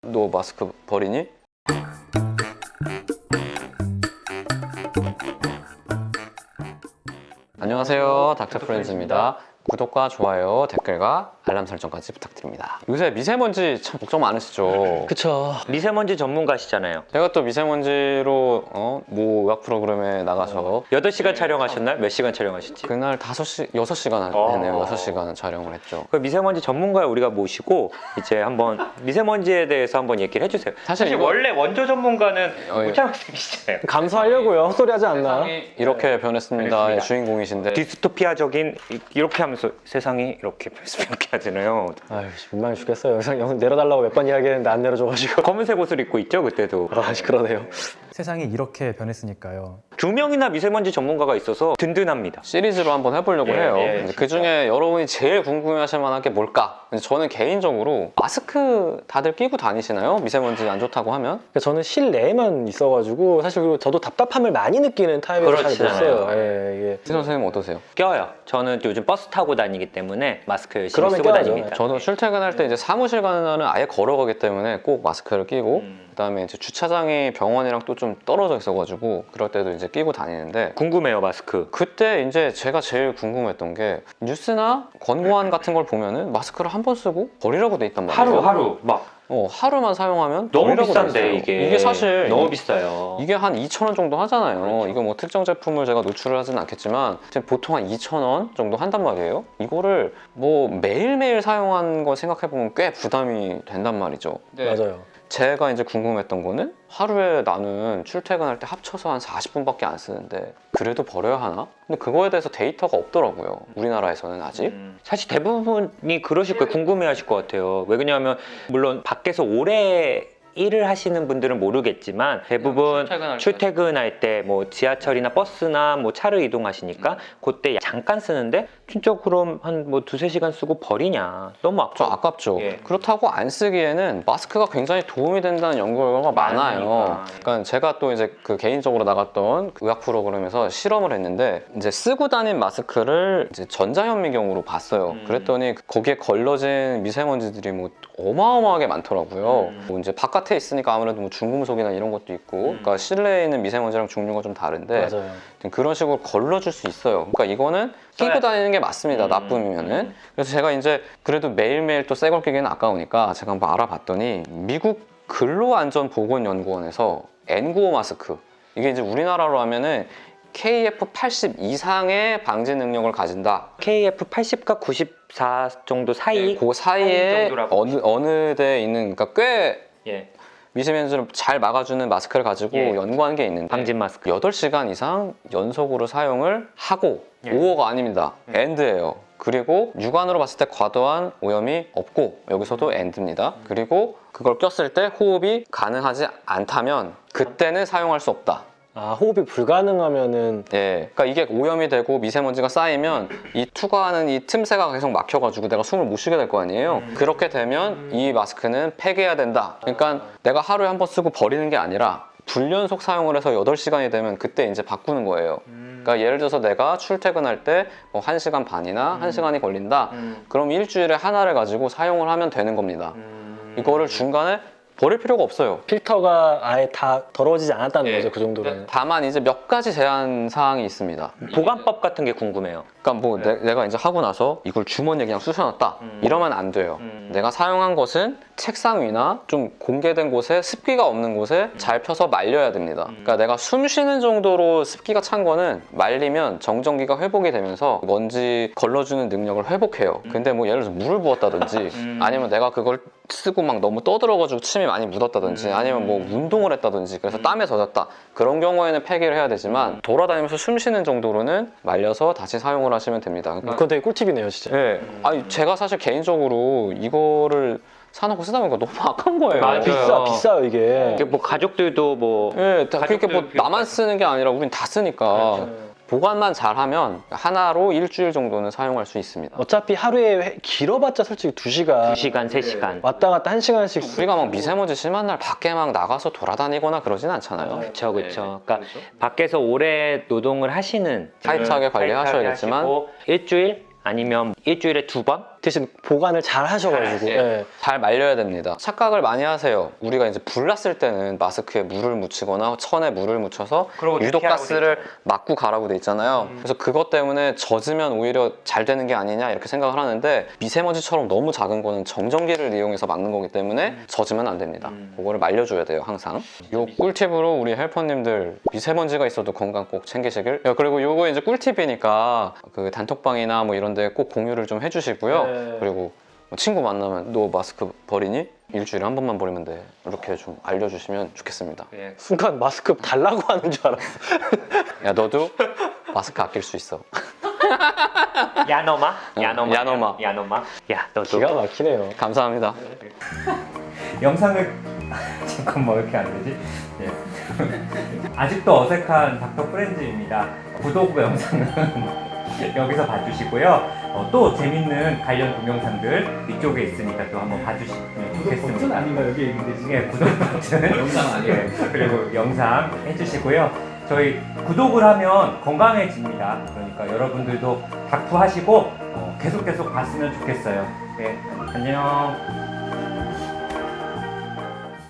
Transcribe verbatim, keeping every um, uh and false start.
너 마스크 버리니? 안녕하세요, 닥터프렌즈입니다. 구독과 좋아요, 댓글과 알람 설정까지 부탁드립니다. 요새 미세먼지 참 걱정 많으시죠? 그쵸. 미세먼지 전문가시잖아요. 제가 또 미세먼지로 어? 뭐 의학 프로그램에 나가서 여덟 시간 촬영하셨나요? 몇 시간 촬영하셨지? 그날 다섯 시, 여섯 시간 어. 했네요. 여섯 시간 촬영을 했죠. 그 미세먼지 전문가 우리가 모시고 이제 한번 미세먼지에 대해서 한번 얘기를 해주세요. 사실 사실 이거- 원래 원조 전문가는 어, 예. 우창 쌤이시잖아요. 감수하려고요. 헛소리 하지 않나? 이렇게 변했습니다. 변했습니다. 의 주인공이신데 디스토피아적인 이- 이렇게 하면서 세상이 이렇게 변했으면 이렇게 하잖아요. 아유, 민망해 죽겠어요. 영상, 영상 내려달라고 몇 번 이야기했는데 안 내려줘가지고. 검은색 옷을 입고 있죠 그때도. 아, 그러네요. 세상이 이렇게 변했으니까요. 두 명이나 미세먼지 전문가가 있어서 든든합니다. 시리즈로 한번 해보려고 예, 해요. 예, 그 중에 여러분이 제일 궁금해하실 만한 게 뭘까? 저는 개인적으로 마스크 다들 끼고 다니시나요? 미세먼지 안 좋다고 하면? 그러니까 저는 실내에만 있어가지고 사실 그리고 저도 답답함을 많이 느끼는 타입이라 잘 못 그렇잖아요. 써요. 예, 이게. 신 선생님 어떠세요? 껴요. 저는 요즘 버스 타고 다니기 때문에 마스크 열심히 그러면 쓰고 껴야죠. 다닙니다. 저도 출퇴근할 때 이제 사무실 가는 날은 아예 걸어가기 때문에 꼭 마스크를 끼고 음. 그다음에 이제 주차장이 병원이랑 또 좀 떨어져 있어가지고 그럴 때도 이제 끼고 다니는데 궁금해요 마스크. 그때 이제 제가 제일 궁금했던 게 뉴스나 권고안 같은 걸 보면은 마스크를 한 번 쓰고 버리라고 돼 있단 말이에요. 하루 하루 막 어, 하루만 사용하면 너무 버리라고 돼 비싼데 있어요. 이게 이게 사실 너무 비싸요. 이게 한 이천 원 정도 하잖아요. 그렇죠. 이거 뭐 특정 제품을 제가 노출을 하진 않겠지만 지금 보통 한 이천 원 정도 한단 말이에요. 이거를 뭐 매일매일 사용한 거 생각해보면 꽤 부담이 된단 말이죠. 맞아요. 제가 이제 궁금했던 거는 하루에 나는 출퇴근할 때 합쳐서 한 사십 분밖에 안 쓰는데 그래도 버려야 하나? 근데 그거에 대해서 데이터가 없더라고요. 우리나라에서는 아직. 음, 사실 대부분이 그러실 거예요. 궁금해하실 것 같아요. 왜 그러냐면 물론 밖에서 오래 일을 하시는 분들은 모르겠지만 대부분 출퇴근할 때. 출퇴근할 때 뭐 지하철이나 버스나 뭐 차를 이동하시니까 그때 잠깐 쓰는데 진짜 그럼 한 뭐 두세 시간 쓰고 버리냐 너무 좀 아까 아깝죠. 예. 그렇다고 안 쓰기에는 마스크가 굉장히 도움이 된다는 연구 결과가 많아요. 많으니까. 그러니까 제가 또 이제 그 개인적으로 나갔던 그 의학 프로그램에서 실험을 했는데 이제 쓰고 다닌 마스크를 이제 전자현미경으로 봤어요. 음. 그랬더니 거기에 걸러진 미세먼지들이 뭐 어마어마하게 많더라고요. 음. 뭐 이제 바깥에 있으니까 아무래도 뭐 중금속이나 이런 것도 있고, 음. 그러니까 실내에 있는 미세먼지랑 종류가 좀 다른데 맞아요. 그런 식으로 걸러줄 수 있어요. 그러니까 이거는 끼고 써야- 다니는 게 맞습니다. 음. 나쁨이면은. 그래서 제가 이제 그래도 매일매일 또 새 걸 끼기는 아까우니까 제가 한번 알아봤더니 미국 근로안전보건연구원에서 엔 구십오 마스크, 이게 이제 우리나라로 하면은 케이에프 팔십 이상의 방지 능력을 가진다. 케이에프 팔십과 구십사 정도 사이 그 사이에 정도라고 어느 어느 데에 있는, 그러니까 꽤 예. 미세먼지를 잘 막아주는 마스크를 가지고 예. 연구한 게 있는데 방진 마스크. 여덟 시간 이상 연속으로 사용을 하고 예. 오어가 아닙니다. 음. 엔드예요. 그리고 육안으로 봤을 때 과도한 오염이 없고 여기서도 엔드입니다. 그리고 그걸 꼈을 때 호흡이 가능하지 않다면 그때는 사용할 수 없다. 아, 호흡이 불가능하면은 예, 그러니까 이게 오염이 되고 미세먼지가 쌓이면 이 투과하는 이 틈새가 계속 막혀가지고 내가 숨을 못 쉬게 될 거 아니에요. 음. 그렇게 되면 이 마스크는 폐기해야 된다. 그러니까 내가 하루에 한 번 쓰고 버리는 게 아니라 불연속 사용을 해서 여덟 시간이 되면 그때 이제 바꾸는 거예요. 그러니까 예를 들어서 내가 출퇴근할 때 뭐 한 시간 반이나 한 시간이 걸린다. 음. 그럼 일주일에 하나를 가지고 사용을 하면 되는 겁니다. 음. 이거를 중간에 버릴 필요가 없어요. 필터가 아예 다 더러워지지 않았다는 예. 거죠, 그 정도로는. 다만 이제 몇 가지 제한 사항이 있습니다. 보관법 같은 게 궁금해요. 그러니까 뭐 네. 내, 가 이제 하고 나서 이걸 주머니에 그냥 쑤셔놨다 음. 이러면 안 돼요. 음. 내가 사용한 것은 책상 위나 좀 공개된 곳에 습기가 없는 곳에 잘 펴서 말려야 됩니다. 음. 그러니까 내가 숨 쉬는 정도로 습기가 찬 거는 말리면 정전기가 회복이 되면서 먼지 걸러주는 능력을 회복해요. 근데 뭐 예를 들어서 물을 부었다든지 음. 아니면 내가 그걸 쓰고 막 너무 떠들어가지고 침이 많이 묻었다든지 음. 아니면 뭐 운동을 했다든지 그래서 음. 땀에 젖었다, 그런 경우에는 폐기를 해야 되지만 돌아다니면서 숨 쉬는 정도로는 말려서 다시 사용을 하시면 됩니다. 그러니까 그건 되게 꿀팁이네요, 진짜. 네. 아니 제가 사실 개인적으로 이거를 사놓고 쓰다 보니까 너무 아까운 거예요. 맞아요. 비싸, 비싸요, 이게. 이게 뭐 가족들도 뭐 예, 다 그렇게 뭐 가족들 나만 쓰는 게 아니라 우린 다 쓰니까 그렇죠. 보관만 잘하면 하나로 일주일 정도는 사용할 수 있습니다. 어차피 하루에 회- 길어봤자 솔직히 두 시간. 두 시간, 세 시간. 왔다 갔다 한 시간씩. 우리가 막 미세먼지 심한 날 밖에 막 나가서 돌아다니거나 그러진 않잖아요. 그렇죠, 그렇죠. 그러니까 밖에서 오래 노동을 하시는 타이트하게 음, 관리하셔야겠지만 타이트하게 하시고 일주일 아니면 일주일에 두 번 대신 보관을 잘 하셔가지고. 예. 예. 잘 말려야 됩니다. 착각을 많이 하세요. 우리가 이제 불 났을 때는 마스크에 물을 묻히거나 천에 물을 묻혀서 그러고 유독가스를 돼 막고 가라고 돼 있잖아요. 음. 그래서 그것 때문에 젖으면 오히려 잘 되는 게 아니냐 이렇게 생각을 하는데 미세먼지처럼 너무 작은 거는 정전기를 이용해서 막는 거기 때문에 젖으면 안 됩니다. 음. 그거를 말려줘야 돼요, 항상. 요 꿀팁으로 우리 헬퍼님들 미세먼지가 있어도 건강 꼭 챙기시길. 야, 그리고 요거 이제 꿀팁이니까 그 단톡방이나 뭐 이런 데 꼭 공유를 좀 해주시고요. 네. 그리고 친구 만나면 너 마스크 버리니? 일주일에 한 번만 버리면 돼. 이렇게 좀 알려주시면 좋겠습니다. 예. 순간 마스크 달라고 하는 줄 알았어. 야, 너도 마스크 아낄 수 있어. 야너마? 응, 야너마? 야너마. 야너마? 야 너도 기가 막히네요. 감사합니다. 영상을 잠깐 뭐 이렇게 안 되지? 예. 아직도 어색한 닥터 프렌즈입니다. 구독 영상은 여기서 봐주시고요. 어, 또 재밌는 관련 동영상들 이쪽에 있으니까 또 한번 봐주시면 좋겠습니다. 아닌가 여기 있는데 예, 구독 버튼 영상 아니에요? 예, 그리고 영상 해주시고요. 저희 구독을 하면 건강해집니다. 그러니까 여러분들도 닥터 하시고 어, 계속 계속 봤으면 좋겠어요. 네, 안녕.